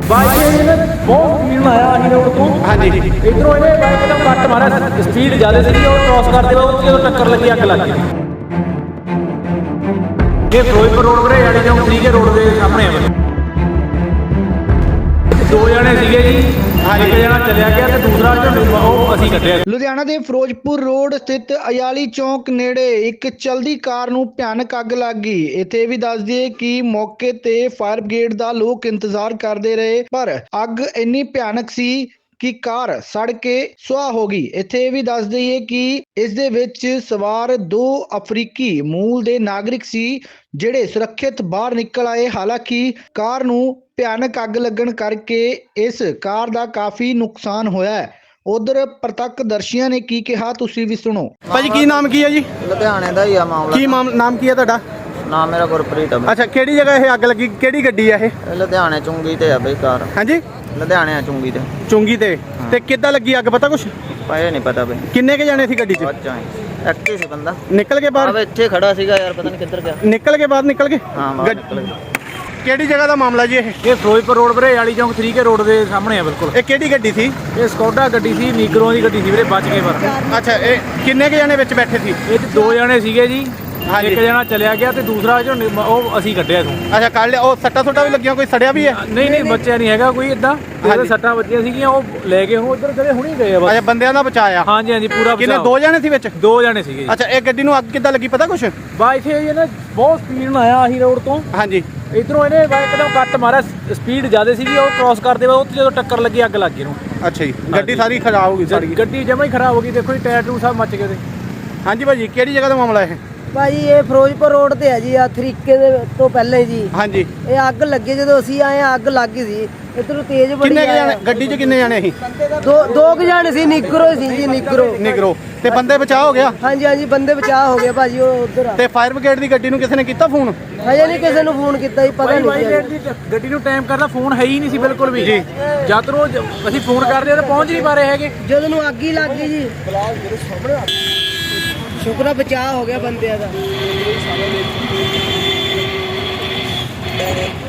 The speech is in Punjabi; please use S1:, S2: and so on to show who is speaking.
S1: ਬਾਈਕ ਬਹੁਤ ਸਪੀਡ ਨਾਲ ਆਇਆ ਅਸੀਂ ਰੋਡ ਤੋਂ। ਹਾਂਜੀ ਇਧਰੋਂ ਇਹਨੇ ਬਾਈਕ ਦਾ ਕੱਟ ਮਾਰਿਆ, ਸਪੀਡ ਜ਼ਿਆਦਾ ਸੀ, ਉਹ ਕ੍ਰੋਸ ਕਰਦੇ ਵਕਤ ਜਦੋਂ ਟੱਕਰ ਲੱਗੀ ਅੱਗ ਲੱਗ ਗਈ। ਇਹ ਫਿਰੋਜ਼ਪੁਰ ਰੋਡ ਵਰੇ ਵਾਲੀ ਚੌਂਕ 3 ਰੋਡ ਦੇ ਸਾਹਮਣੇ ਆ। ਦੋ ਜਣੇ ਸੀਗੇ ਜੀ, ਇੱਕ ਜਣਾ ਚਲਿਆ ਗਿਆ ਤੇ ਦੂਸਰਾ ਉਹ ਅਸੀਂ ਕੱਢਿਆ।
S2: ਲੁਧਿਆਣਾ ਦੇ ਫਿਰੋਜ਼ਪੁਰ ਰੋਡ ਸਥਿਤ ਅਯਾਲੀ ਚੌਂਕ ਨੇੜੇ ਇੱਕ ਚਲਦੀ ਕਾਰ ਨੂੰ ਭਿਆਨਕ ਅੱਗ ਲੱਗ ਗਈ। ਇੱਥੇ ਵੀ ਦੱਸ ਦਈਏ ਕਿ ਮੌਕੇ ਤੇ ਫਾਇਰ ਬ੍ਰਿਗੇਡ ਦਾ ਲੋਕ ਇੰਤਜ਼ਾਰ ਕਰਦੇ ਰਹੇ, ਪਰ ਅੱਗ ਇੰਨੀ ਭਿਆਨਕ ਸੀ ਕਿ ਕਾਰ ਸੜ ਕੇ ਸੁਆਹ ਹੋ ਗਈ। ਇੱਥੇ ਇਹ ਵੀ ਦੱਸ ਦਈਏ ਕਿ ਇਸ ਦੇ ਵਿੱਚ ਸਵਾਰ 2 ਅਫਰੀਕੀ ਮੂਲ ਦੇ ਨਾਗਰਿਕ ਸੀ, ਜਿਹੜੇ ਸੁਰੱਖਿਅਤ ਬਾਹਰ ਨਿਕਲ ਆਏ। ਹਾਲਾਂਕਿ ਕਾਰ ਨੂੰ ਭਿਆਨਕ ਅੱਗ ਲੱਗਣ ਕਰਕੇ ਇਸ ਕਾਰ ਦਾ ਕਾਫੀ ਨੁਕਸਾਨ ਹੋਇਆ ਹੈ। ਉਧਰ ਪ੍ਰਤੱਖਦਰਸ਼ੀਆਂ ਨੇ ਕੀ ਕਿਹਾ, ਤੁਸੀਂ ਵੀ ਸੁਣੋ।
S3: ਭਾਜੀ ਕੀ ਨਾਮ ਕੀ ਹੈ ਜੀ?
S4: ਲੁਧਿਆਣੇ ਦਾ ਹੀ ਆ ਮਾਮਲਾ।
S3: ਕੀ ਨਾਮ ਕੀ ਹੈ ਤੁਹਾਡਾ?
S4: ਨਾਮ ਮੇਰਾ ਗੁਰਪ੍ਰੀਤ ਆ।
S3: ਅੱਛਾ, ਕਿਹੜੀ ਜਗ੍ਹਾ ਇਹ ਅੱਗ ਲੱਗੀ? ਕਿਹੜੀ ਗੱਡੀ ਹੈ ਇਹ?
S4: ਲੁਧਿਆਣੇ ਚੁੰਗੀ ਤੇ ਆ ਬਈ ਕਾਰ।
S3: ਹਾਂਜੀ,
S4: ਲੁਧਿਆਣੇ ਆ ਚੁੰਗੀ ਤੇ।
S3: ਚੁੰਗੀ ਤੇ ਕਿੱਦਾਂ ਲੱਗੀ ਅੱਗ, ਪਤਾ ਕੁਛ?
S4: ਪਾਏ ਨਹੀਂ ਪਤਾ ਬਈ।
S3: ਕਿੰਨੇ ਕੇ ਜਾਣੇ ਸੀ ਗੱਡੀ 'ਚ?
S4: ਬੱਚਾ ਐਕਟਿਵ ਸੀ ਬੰਦਾ।
S3: ਨਿਕਲ ਕੇ ਬਾਹਰ?
S4: ਇੱਥੇ ਖੜਾ ਸੀਗਾ ਯਾਰ, ਪਤਾ ਨਹੀਂ ਕਿੱਧਰ ਗਿਆ।
S3: ਨਿਕਲ ਕੇ ਬਾਹਰ ਨਿਕਲ ਕੇ?
S4: ਹਾਂ ਬਾਹਰ ਨਿਕਲ ਗਿਆ।
S3: ਕਿਹੜੀ ਜਗ੍ਹਾ ਦਾ ਮਾਮਲਾ ਜੀ ਇਹ?
S1: ਇਹ ਫਿਰੋਜ਼ਪੁਰ ਰੋਡ ਵਰੇ ਵਾਲੀ ਚੌਂਕ 3 ਰੋਡ ਦੇ ਸਾਹਮਣੇ ਆ ਬਿਲਕੁਲ।
S3: ਇਹ ਕਿਹੜੀ ਗੱਡੀ ਸੀ?
S1: ਇਹ ਸਕੋਡਾ ਗੱਡੀ ਸੀ, ਨੀਗਰੋ ਦੀ ਗੱਡੀ ਸੀ ਵੀਰੇ, ਬਚ ਗਏ ਪਰ।
S3: ਅੱਛਾ, ਇਹ ਕਿੰਨੇ ਕੇ ਜਾਣੇ ਵਿੱਚ ਬੈਠੇ ਸੀ?
S1: ਇਹ 'ਚ 2 ਜਣੇ ਸੀਗੇ ਜੀ,
S3: ਹਾਂਜੀ।
S1: ਇੱਕ ਜਣਾ ਚਲਿਆ ਗਿਆ ਤੇ ਦੂਸਰਾ ਉਹ ਅਸੀਂ ਕੱਢਿਆ ਤੂੰ।
S3: ਅੱਛਾ, ਕੱਢ ਲਿਆ। ਉਹ ਸੱਟਾਂ ਸੁੱਟਾਂ ਵੀ ਲੱਗੀਆਂ, ਕੋਈ ਸੜਿਆ ਵੀ ਹੈ?
S1: ਨਹੀਂ ਬੱਚਿਆ ਨਹੀਂ ਹੈਗਾ ਕੋਈ ਇਦਾਂ। ਉਹਦੇ ਸੱਟਾਂ ਵੱਜੀਆਂ ਸੀਗੀਆਂ, ਉਹ ਲੈ ਗਏ ਹੁਣ ਉਧਰ ਕਦੇ ਹੁਣੀ ਗਏ ਆ ਬਸ।
S3: ਅੱਛਾ, ਬੰਦਿਆਂ ਦਾ ਬਚਾਇਆ?
S1: ਹਾਂਜੀ ਪੂਰਾ
S3: ਕਿੰਨੇ?
S1: ਬਚਾਅ।
S3: 2 ਜਣੇ ਸੀ ਵਿੱਚ?
S1: 2 ਜਣੇ ਸੀਗੇ ਜੀ।
S3: ਅੱਛਾ, ਇਹ ਗੱਡੀ ਨੂੰ ਅੱਗ ਕਿੱਦਾਂ ਲੱਗੀ, ਪਤਾ ਕੁਛ?
S1: ਬਾਈਕ ਇਹ ਨਾ ਬਹੁਤ ਸਪੀਡ ਨਾਲ ਆਇਆ ਅਸੀਂ ਰੋਡ ਤੋਂ।
S3: ਹਾਂਜੀ,
S1: ਇਧਰੋਂ ਇਹਨੇ ਬਾਈਕ ਦਾ ਕੱਟ ਮਾਰਿਆ, ਸਪੀਡ ਜ਼ਿਆਦਾ ਸੀਗੀ, ਉਹ ਕ੍ਰੋਸ ਕਰਦੇ ਵਕਤ ਜਦੋਂ ਟੱਕਰ ਲੱਗੀ ਅੱਗ ਲੱਗ ਗਈ ਨੂੰ।
S3: ਅੱਛਾ ਜੀ, ਗੱਡੀ ਸਾਰੀ ਖਰਾਬ ਹੋ ਗਈ? ਸੜ ਗਈ
S1: ਗੱਡੀ ਜਮਾਂ ਹੀ ਖਰਾਬ ਹੋ ਗਈ, ਦੇਖੋ ਜੀ ਟਾਇਰ ਟੂ ਸਭ ਮੱਚ ਗਏ ਉਹਦੇ।
S3: ਹਾਂਜੀ ਭਾਜੀ, ਕਿਹੜੀ ਜਗ੍ਹਾ ਦਾ ਮਾਮਲਾ ਇਹ?
S5: ਭਾਜੀ ਇਹ ਫਿਰੋਜ਼ਪੁਰ ਰੋਡ ਤੇ ਹੈ ਜੀ, ਆ ਤਰੀਕੇ ਦੇ ਤੋਂ ਪਹਿਲੇ ਜੀ।
S3: ਹਾਂਜੀ,
S5: ਇਹ ਅੱਗ ਲੱਗੀ, ਜਦੋਂ ਅਸੀਂ ਆਏ ਆ ਅੱਗ ਲੱਗ ਗਈ ਸੀ। ਇਧਰੋਂ ਤੇਜ਼ ਬੜੀ
S3: ਕਿੰਨੇ ਜਾਣੇ ਗੱਡੀ 'ਚ? ਕਿੰਨੇ ਜਾਣੇ ਸੀ?
S5: ਦੋ ਕੁ ਜਾਣੇ ਸੀ, ਨਿਗਰੋ ਸੀ ਜੀ,
S3: ਨਿਗਰੋ। ਤੇ ਬੰਦੇ ਬਚਾਅ ਹੋ ਗਿਆ?
S5: ਹਾਂਜੀ ਬੰਦੇ ਬਚਾਅ ਹੋ ਗਏ ਭਾਜੀ। ਉਹ ਉਧਰ ਆ।
S3: ਤੇ ਫਾਇਰ ਬ੍ਰਿਗੇਡ ਦੀ ਗੱਡੀ ਨੂੰ ਕਿਸੇ ਨੇ ਕੀਤਾ ਫੋਨ?
S5: ਹਜੇ ਨਹੀਂ ਕਿਸੇ ਨੂੰ ਫੋਨ ਕੀਤਾ ਜੀ, ਪਤਾ ਨਹੀਂ।
S1: ਗੱਡੀ ਨੂੰ ਟਾਈਮ ਕਰਦਾ ਫੋਨ ਹੈ ਹੀ ਨਹੀਂ ਸੀ ਬਿਲਕੁਲ ਵੀ ਜੀ। ਜਦ ਨੂੰ ਅਸੀਂ ਫੋਨ ਕਰਦੇ ਤਾਂ ਪਹੁੰਚ ਨਹੀਂ ਪਾ ਰਹੇ ਹੈਗੇ।
S5: ਜਦੋਂ ਨੂੰ ਅੱਗ ਹੀ ਲੱਗ ਗਈ ਜੀ, ਸ਼ੁਕਰ ਆ ਬਚਾਅ ਹੋ ਗਿਆ ਬੰਦਿਆਂ ਦਾ।